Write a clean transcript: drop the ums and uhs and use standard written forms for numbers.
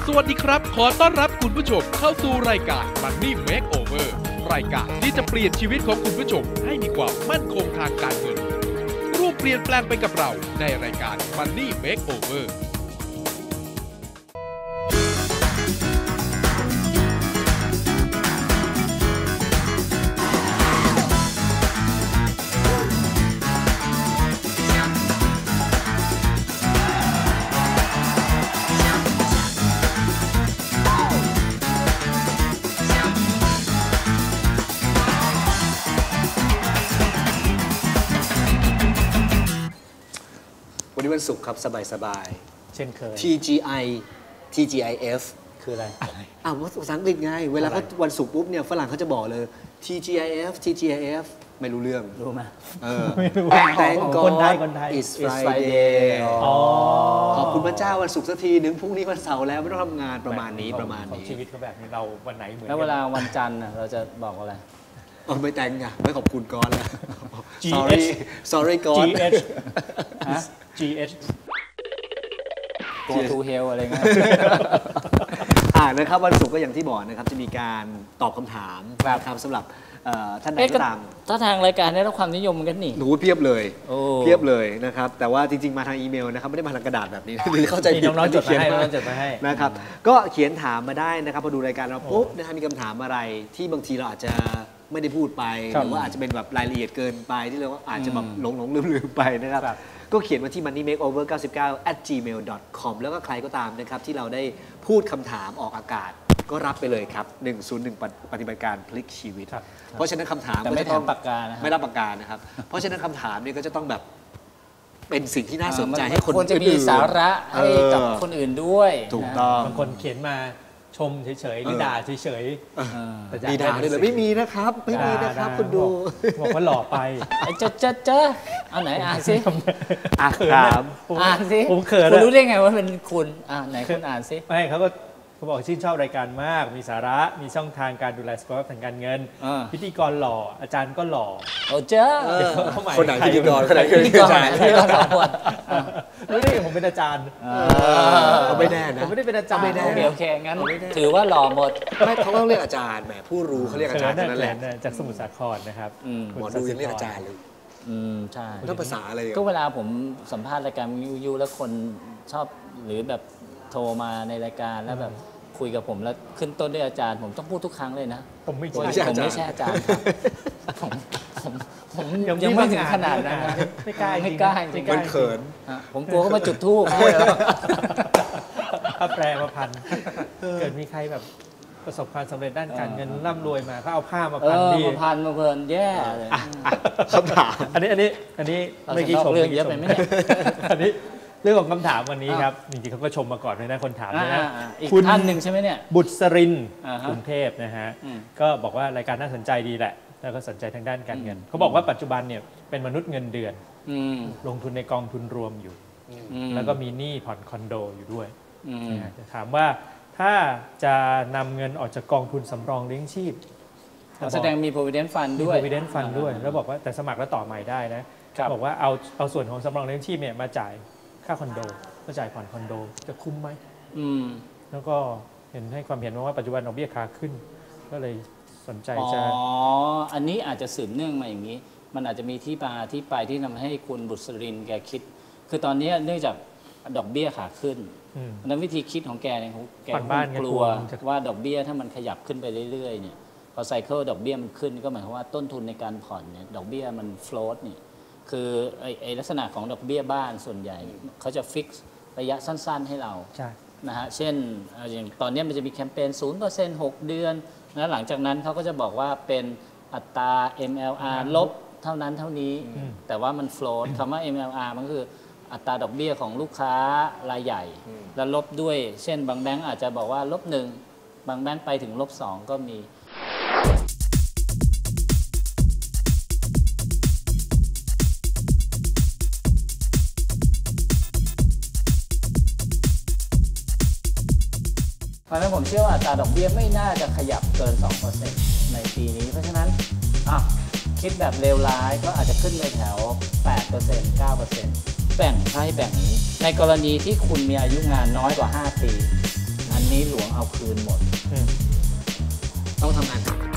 สวัสดีครับขอต้อนรับคุณผู้ชมเข้าสู่รายการ Money Makeover รายการที่จะเปลี่ยนชีวิตของคุณผู้ชมให้มีความมั่นคงทางการเงินร่วมเปลี่ยนแปลงไปกับเราในรายการ Money Makeover วันนี้วันศุกร์ครับสบายเช่นเคย TGIF คืออะไรภาษาอังกฤษไงเวลาเขาวันศุกร์ปุ๊บเนี่ยฝรั่งเขาจะบอกเลย TGIF ไม่รู้เรื่องรู้ไหมไม่รู้ Thank God คนไทย It's Friday ขอบคุณพระเจ้าวันศุกร์สักทีนึงพรุ่งนี้วันเสาร์แล้วไม่ต้องทำงานประมาณนี้ชีวิตเขาแบบนี้เราวันไหนเหมือนแล้วเวลาวันจันทร์เราจะบอกอะไรไม่แต่งไงไม่ขอบคุณก่อนแล้ว sorry ก่อน GH Go to hell อะไรเงี้ยนะครับวันศุกร์ก็อย่างที่บอกนะครับจะมีการตอบคำถามครับสำหรับท่านใดก็ตามถ้าทางรายการได้รับความนิยมกันนี่หนูเพียบเลยนะครับแต่ว่าจริงๆมาทางอีเมลนะครับไม่ได้มาทางกระดาษแบบนี้เข้าใจผิดน้องๆจดมาให้นะครับก็เขียนถามมาได้นะครับพอดูรายการเราปุ๊บนะครับมีคำถามอะไรที่บางทีเราอาจจะไม่ได้พูดไปหรือว่าอาจจะเป็นแบบรายละเอียดเกินไปที่เราอาจจะแบบหลงลืมไปนะครับก็เขียนมาที่ moneymakeover99@gmail.com แล้วก็ใครก็ตามนะครับที่เราได้พูดคำถามออกอากาศก็รับไปเลยครับ101ปฏิบัติการพลิกชีวิตเพราะฉะนั้นคำถามไม่ต้องปากกาไม่รับปากกานะครับเพราะฉะนั้นคำถามนี่ก็จะต้องแบบเป็นสิ่งที่น่าสนใจให้คนควรจะมีสาระให้กับคนอื่นด้วยถูกต้องบางคนเขียนมาชมเฉยๆหรือด่าเฉยๆมีด่าด้วยเลยไม่มีนะครับคุณดูบอกว่าหล่อไปเจอเอาไหนอ่านสิอ่านสิผมเขินคุณรู้ได้ไงว่าเป็นคุณไหนคุณอ่านสิไม่เขาบอกชื่นชอบรายการมากมีสาระมีช่องทางการดูแลสุขภาพทางการเงินพิธีกรหล่ออาจารย์ก็หล่อเจ้าคนไหนพิธีกรคนไหนพิธีกรรู้ได้ไงผมเป็นอาจารย์ไม่แน่นะผมไม่ได้เป็นอาจารย์โอเคงั้นถือว่าหล่อหมดไม่เขาต้องเรียกอาจารย์แหมผู้รู้เขาเรียกอาจารย์นั่นแหละจากสมุทรสาครนะครับหมอดูยังเรียกอาจารย์เลยใช่ต้องภาษาอะไรก็เวลาผมสัมภาษณ์รายการวิวแล้วคนชอบหรือแบบโทรมาในรายการแล้วแบบคุยกับผมแล้วขึ้นต้นด้วยอาจารย์ผมต้องพูดทุกครั้งเลยนะผมไม่ใช่อาจารย์ผมยังไม่ถึงขนาดนั้นไม่กล้ามันเขินผมกลัวเขามาจุดธูปถ้าแปลมาพันเกิดมีใครแบบประสบความสำเร็จด้านการเงินร่ำรวยมาเขาเอาผ้ามาพันดีมาพันมาเพลินแย่เลยคำถามอันนี้ไม่กี่ชมเรื่องเยอะไปไหมเนี่ยอันนี้เรื่องของคำถามวันนี้ครับจริงๆเขาก็ชมมาก่อนเลยนะคนถามนะอีกท่านหนึ่งใช่ไหมเนี่ยบุตรสรินกรุงเทพนะฮะก็บอกว่ารายการน่าสนใจดีแหละแล้วก็สนใจทางด้านการเงินเขาบอกว่าปัจจุบันเนี่ยเป็นมนุษย์เงินเดือนลงทุนในกองทุนรวมอยู่แล้วก็มีหนี้ผ่อนคอนโดอยู่ด้วยจะถามว่าถ้าจะนำเงินออกจากกองทุนสำรองเลี้ยงชีพแสดงมี provident fund ด้วย provident fund ด้วยแล้วบอกว่าแต่สมัครแล้วต่อใหม่ได้นะบอกว่าเอาส่วนของสำรองเลี้ยงชีพเนี่ยมาจ่ายค่าคอนโดก็จ่ายผ่อนคอนโดจะคุ้มไหมแล้วก็เห็นให้ความเห็นว่าปัจจุบันดอกเบี้ยขาขึ้นก็เลยสนใจจะอันนี้อาจจะสืบเนื่องมาอย่างนี้มันอาจจะมีที่มาที่ไปที่ทำให้คุณบุตรสรินแกคิดคือตอนนี้เนื่องจากดอกเบี้ยขาขึ้นนั้นวิธีคิดของแกเนี่ยแกกลัวว่าดอกเบี้ยถ้ามันขยับขึ้นไปเรื่อยๆเนี่ยพอไซเคิลดอกเบี้ยมันขึ้นก็หมายความว่าต้นทุนในการผ่อนเนี่ยดอกเบี้ยมันโฟลตเนี่ยคือไอ้ลักษณะของดอกเบี้ยบ้านส่วนใหญ่เขาจะฟิกซ์ระยะสั้นๆให้เรานะฮะเช่นอย่างตอนนี้มันจะมีแคมเปญ 0% 6 เดือนนะหลังจากนั้นเขาก็จะบอกว่าเป็นอัตรา MLR ลบเท่านั้นเท่านี้แต่ว่ามันโฟลตคำว่า MLR มันคืออัตราดอกเบี้ยของลูกค้ารายใหญ่แล้วลบด้วยเช่นบางแบงก์อาจจะบอกว่า-1บางแบงก์ไปถึง-2ก็มีเพราะฉะนั้นผมเชื่อว่าอัตราดอกเบี้ยไม่น่าจะขยับเกิน 2% ในปีนี้เพราะฉะนั้นคิดแบบเลวร้ายก็อาจจะขึ้นไปแถว 8% 9% แบ่งให้แบ่งนี้ในกรณีที่คุณมีอายุงานน้อยกว่า5 ปีอันนี้หลวงเอาคืนหมดต้องทำงานหนัก